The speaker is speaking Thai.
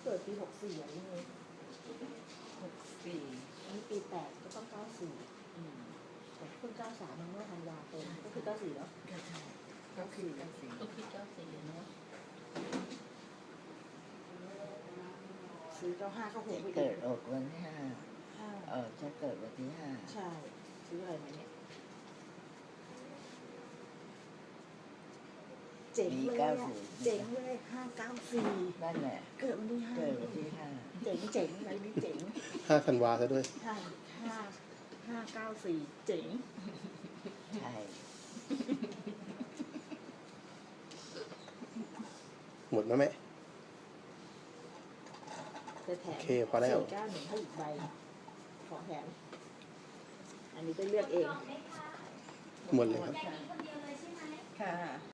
กิดปี64อ่ะนี่ไง 64 อันนี้ปี8ก็ต้อง94แต่เพิ่ง93มันเมื่อธันวาคมก็คือ94แล้วก็ใช่ก็คือ94เนาะซื้อ95ก็หกไปเกิอีดกออกวันที่5จะเกิดวันที่5 ใช่ซื้ออะไรมาเนี่ยเจ๋งเลยเจ๋งเลย594 นั่นแหละเกิดวันที่5 เกิดวันที่5 เจ๋งเจ๋งอะไรนี่เจ๋ง 5 ธันวาซะด้วยใช่594เจ๋งใช่หมดแล้วไหมจะแถมโอเคพอแล้ว 491ให้อีกใบขอแถมอันนี้ไปเลือกเองหมดเลยครับค่ะ